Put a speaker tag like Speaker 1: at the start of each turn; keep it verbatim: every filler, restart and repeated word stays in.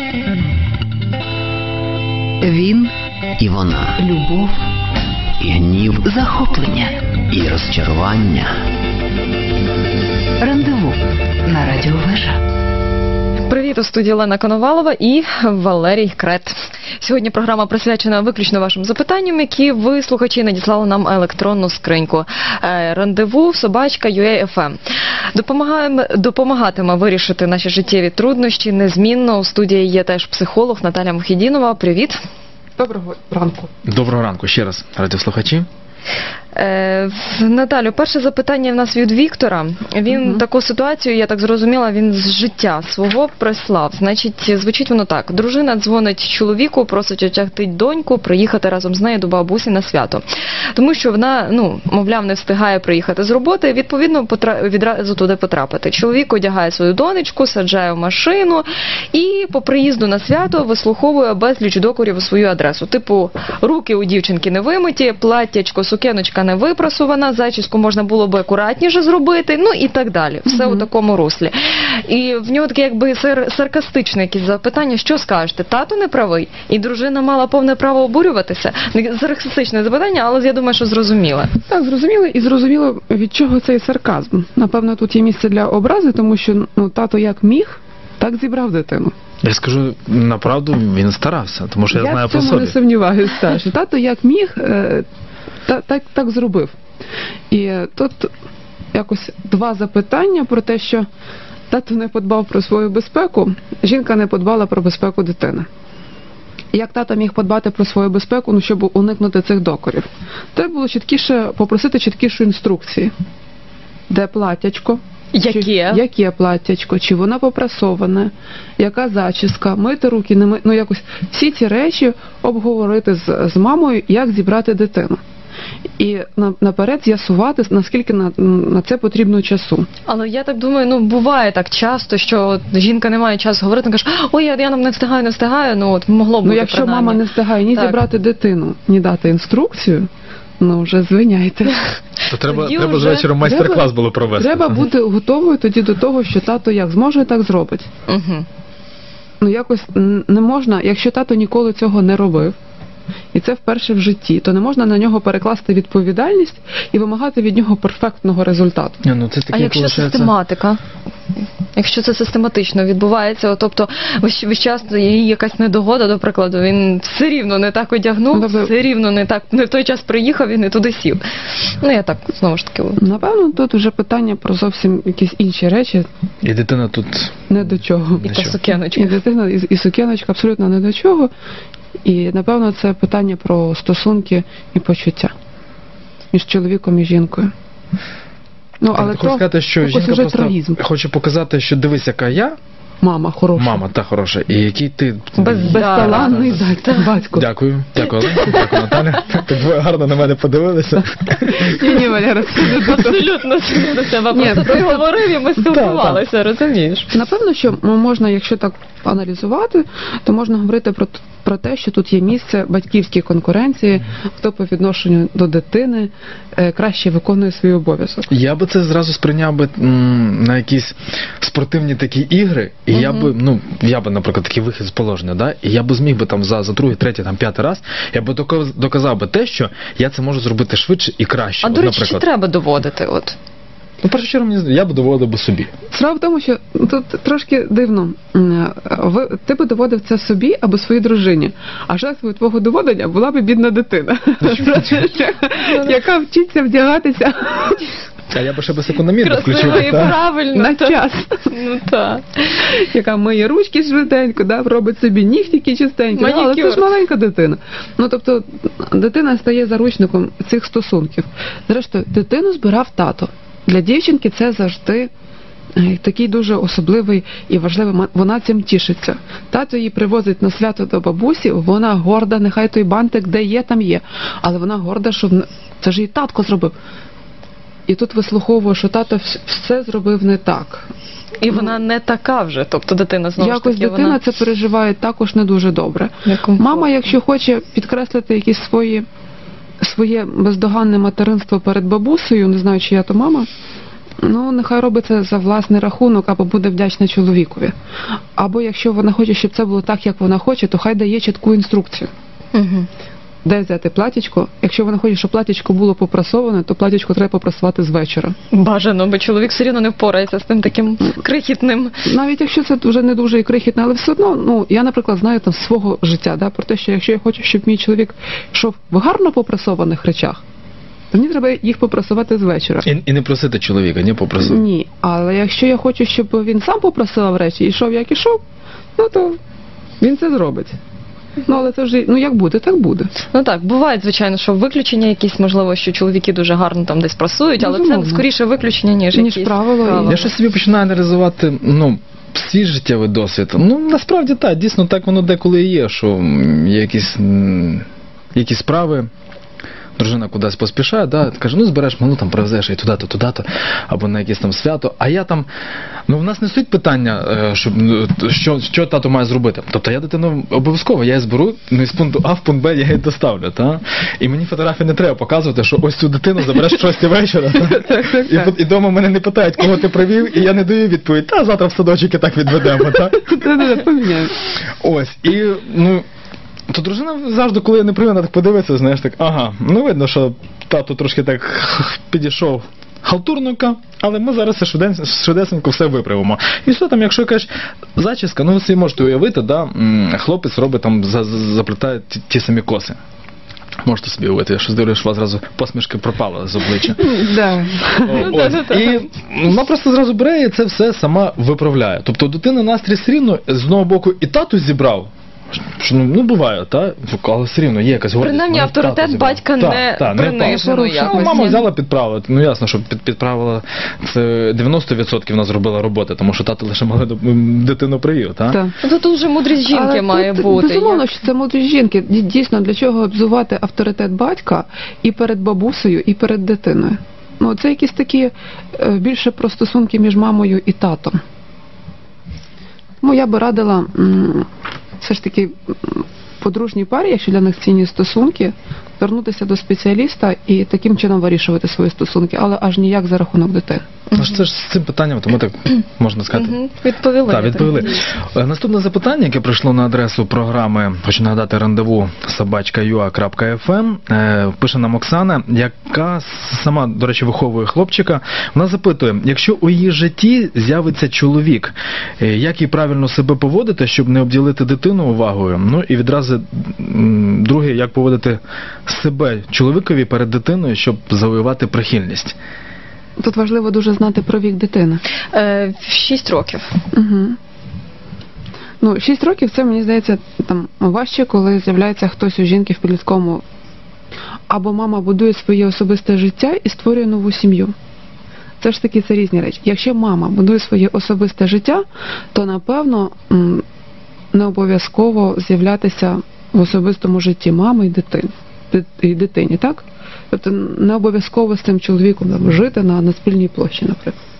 Speaker 1: Він і вона. Любов і гнів. Захоплення і розчарування. Рандеву на Радіо Вежа.
Speaker 2: Привіт, у студії Олена Коновалова і Валерій Крет. Сьогодні програма присвячена виключно вашим запитанням, які ви, слухачі, надіслали нам електронну скриньку. Рандеву собачка ю а точка еф ем. Допомагатиме вирішити наші життєві труднощі незмінно. У студії є теж психолог Наталя Мухідінова. Привіт.
Speaker 3: Доброго ранку.
Speaker 4: Доброго ранку ще раз, радіослухачі.
Speaker 2: Е, Наталю, перше запитання в нас від Віктора. Він угу. таку ситуацію, я так зрозуміла, він з життя свого прислав. Значить, звучить воно так. Дружина дзвонить чоловіку, просить отягти доньку, приїхати разом з нею до бабусі на свято. Тому що вона, ну, мовляв, не встигає приїхати з роботи, відповідно, потра... відразу туди потрапити. Чоловік одягає свою донечку, саджає в машину і по приїзду на свято вислуховує безліч докорів у свою адресу. Типу, руки у дівчинки не вимиті, платтячко, сукеночка не випрасувана, зачіску можна було би акуратніше зробити, ну і так далі. Все mm-hmm. у такому руслі. І в нього таке якби сар- саркастичне якісь запитання, що скажете? Тато не правий? І дружина мала повне право обурюватися? Саркастичне запитання, але я думаю, що зрозуміло.
Speaker 3: Так, зрозуміло, і зрозуміло, від чого цей сарказм. Напевно, тут є місце для образи, тому що ну, тато як міг, так зібрав дитину.
Speaker 4: Я скажу, направду, він старався, тому що я,
Speaker 3: я
Speaker 4: знаю по собі.
Speaker 3: Я в цьому не сумніваюся, що тато як міг, Так, так, так зробив. І тут якось два запитання про те, що тато не подбав про свою безпеку, жінка не подбала про безпеку дитини. Як тато міг подбати про свою безпеку, ну, щоб уникнути цих докорів? Треба було чіткіше попросити чіткішу інструкції. Де платтячко?
Speaker 2: Яке?
Speaker 3: Чи, яке платтячко? Чи вона попрасоване? Яка зачіска? Мити руки, не мити? Ну, якось всі ці речі обговорити з, з мамою, як зібрати дитину. І наперед з'ясувати, наскільки на, на це потрібно часу.
Speaker 2: Але я так думаю, ну буває так часто, що жінка не має часу говорити, каже, ой, я, я не встигаю, не встигаю, ну от могло б бути.
Speaker 3: Ну якщо
Speaker 2: принаймні.
Speaker 3: мама не встигає ні так. зібрати дитину, ні дати інструкцію, ну вже звиняйте.
Speaker 4: То треба, треба вже... з вечором майстер-клас було провести.
Speaker 3: Треба бути готовою тоді до того, що тато як зможе, так зробить.
Speaker 2: Угу.
Speaker 3: Ну якось не можна, якщо тато ніколи цього не робив, і це вперше в житті, то не можна на нього перекласти відповідальність і вимагати від нього перфектного результату.
Speaker 4: Не, ну, це
Speaker 2: а якщо получається... систематика? Якщо це систематично відбувається, тобто весь час є якась недогода, до прикладу, він все рівно не так одягнув, Добре. все рівно не так, не в той час приїхав і не туди сів. Ну, я так, знову ж таки.
Speaker 3: Напевно, тут вже питання про зовсім якісь інші речі.
Speaker 4: І дитина тут...
Speaker 3: Не до чого.
Speaker 2: І та сукеночка.
Speaker 3: І дитина, і, і сукеночка абсолютно не до чого. І, напевно, це питання про стосунки і почуття між чоловіком і жінкою. Ну, але
Speaker 4: хочу сказати, що жінка просто хоче показати, що дивись, яка я.
Speaker 3: Мама хороша.
Speaker 4: Мама, та хороша. І який ти...
Speaker 3: Без, безталанний батько.
Speaker 4: Дякую. Дякую, Дякую, Наталя. Так ви гарно на мене подивилися.
Speaker 3: Ні, ні, Валера,
Speaker 2: абсолютно до себе. Просто ти говорив і ми спілкувалися, розумієш?
Speaker 3: Напевно, що можна, якщо так аналізувати, то можна говорити про про те, що тут є місце батьківській конкуренції, хто по відношенню до дитини е, краще виконує свій обов'язок.
Speaker 4: Я би це зразу сприйняв би м, на якісь спортивні такі ігри, і угу. я би, ну, я би, наприклад, такий вихід з положення, да, і я би зміг би там за, за другий, третій, там, п'ятий раз, я би доказав би те, що я це можу зробити швидше і краще.
Speaker 2: А,
Speaker 4: от,
Speaker 2: до речі,
Speaker 4: наприклад.
Speaker 2: чи треба доводити, от?
Speaker 4: Ну, в першу чергу, я б доводив би собі.
Speaker 3: Справа в тому, що тут трошки дивно. Ви, ти би доводив це собі або своїй дружині, а жертвою твого доводення була б бідна дитина, яка вчиться вдягатися.
Speaker 4: А я б ще би секундомір включив.
Speaker 2: Правильно.
Speaker 3: На час.
Speaker 2: Ну так.
Speaker 3: Яка миє ручки швиденько, да, робить собі нігтики чистенькі. Ну, але це ж маленька дитина. Ну, тобто, дитина стає заручником цих стосунків. Зрештою, дитину збирав тато. Для дівчинки це завжди такий дуже особливий і важливий момент. Вона цим тішиться. Тато її привозить на свято до бабусі, вона горда, нехай той бантик де є, там є. Але вона горда, що це ж її татко зробив. І тут вислуховує, що тато все зробив не так.
Speaker 2: І вона не така вже, тобто дитина знову ж таки.
Speaker 3: Якось дитина
Speaker 2: вона...
Speaker 3: це переживає також не дуже добре. Мама, якщо хоче підкреслити якісь свої, своє бездоганне материнство перед бабусею, не знаю, чия то мама, Ну, нехай робить це за власний рахунок, або буде вдячна чоловікові. Або якщо вона хоче, щоб це було так, як вона хоче, то хай дає чітку інструкцію.
Speaker 2: Угу.
Speaker 3: Де взяти платічко? Якщо вона хоче, щоб платічко було попрасоване, то платічко треба попрасувати з вечора.
Speaker 2: Бажано, бо чоловік все рівно не впорається з тим таким крихітним.
Speaker 3: Навіть якщо це вже не дуже і крихітне, але все одно, ну, я, наприклад, знаю там свого життя, да, про те, що якщо я хочу, щоб мій чоловік йшов в гарно попрасованих речах, то мені треба їх попрасувати з вечора.
Speaker 4: І, і не просити чоловіка, ні, попросити.
Speaker 3: Ні, але якщо я хочу, щоб він сам попрасував речі і йшов, як ішов, ну то він це зробить. Ну, але це вже, ну як буде, так буде.
Speaker 2: Ну так, буває, звичайно, що виключення якісь, можливо, що чоловіки дуже гарно там десь прасують, але
Speaker 3: Безумовно.
Speaker 2: це скоріше виключення, ніж,
Speaker 3: Ніж
Speaker 2: якісь
Speaker 3: правило.
Speaker 4: Я щось собі починаю аналізувати, ну, свій життєвий досвід. Ну, насправді так, дійсно так воно деколи і є, що м, є якісь, м, якісь справи, дружина кудись поспішає, да, каже, ну збереш малу, там привезеш і туди-то, туди-то, або на якесь там свято. А я там, ну в нас не суть питання, е, щоб, ну, що, що тато має зробити. Тобто я дитину обов'язково, я її зберу, ну з пункту А в пункт Б я її доставлю. Та? І мені фотографії не треба показувати, що ось цю дитину забереш в шостій вечора. І, і вдома мене не питають, кого ти привів, і я не даю відповідь, та завтра в садочок і так відведемо.
Speaker 3: Поміняємо.
Speaker 4: Ось, і, ну, то дружина завжди, коли я не привів, вона так подивиться, знаєш, так, ага, ну видно, що тато трошки так підійшов халтурненько, але ми зараз швиденько, швидесенько все виправимо. І все там, якщо якась зачіска, ну ви собі можете уявити, да, хлопець робить там, за, за, заплітає ті, ті самі коси. Можете собі уявити, я щось дивлюсь, що у вас зразу посмішки пропали з обличчя.
Speaker 3: Да.
Speaker 4: О, ось. І вона просто зразу бере і це все сама виправляє. Тобто дитина настрій все рівно, з одного боку, і тату зібрав, що, ну, буває, та? Але все рівно є якась гордість.
Speaker 2: Принаймні
Speaker 4: мене
Speaker 2: авторитет
Speaker 4: тато зібрав.
Speaker 2: батька
Speaker 4: Та,
Speaker 2: не
Speaker 4: та,
Speaker 2: принижено
Speaker 4: впав.
Speaker 2: якось.
Speaker 4: Ну, мама
Speaker 2: Ні.
Speaker 4: взяла підправила. Ну ясно, що під, підправила це дев'яносто відсотків вона зробила роботи, тому що тато лише мали дитину привів, та?
Speaker 3: Так.
Speaker 2: Ну, тут вже мудрість жінки
Speaker 3: Але
Speaker 2: має
Speaker 3: тут,
Speaker 2: бути.
Speaker 3: Безумовно,
Speaker 2: Як-
Speaker 3: що це мудрість жінки. Ді- Дійсно, для чого обзувати авторитет батька і перед бабусею, і перед дитиною? Ну, це якісь такі е, більше про стосунки між мамою і татом. Тому я би радила м, все ж таки м, подружній парі, якщо для них цінні стосунки, звернутися до спеціаліста і таким чином вирішувати свої стосунки, але аж ніяк за рахунок дитини.
Speaker 4: Ну ж це ж з цим питанням, тому так можна сказати.
Speaker 2: Мгм. Відповіли.
Speaker 4: Так, відповіли. Е, Наступне запитання, яке прийшло на адресу програми, хочу нагадати, рандеву собачка ю а крапка еф ем, е, пише нам Оксана, яка сама, до речі, виховує хлопчика. Вона запитує, якщо у її житті з'явиться чоловік, е, як їй правильно себе поводити, щоб не обділити дитину увагою? Ну і відразу м, друге, як поводити себе чоловікові перед дитиною, щоб завоювати прихильність?
Speaker 3: Тут важливо дуже знати про вік дитини.
Speaker 2: Е, в шість років.
Speaker 3: Угу. Ну, шість років це, мені здається, там важче, коли з'являється хтось у жінки в підлітковому. Або мама будує своє особисте життя і створює нову сім'ю. Це ж таки це різні речі. Якщо мама будує своє особисте життя, то, напевно, м, не обов'язково з'являтися в особистому житті мами і дитини. Ди- І дитині, так? Тобто не обов'язково з цим чоловіком там, жити на, на спільній площі, наприклад.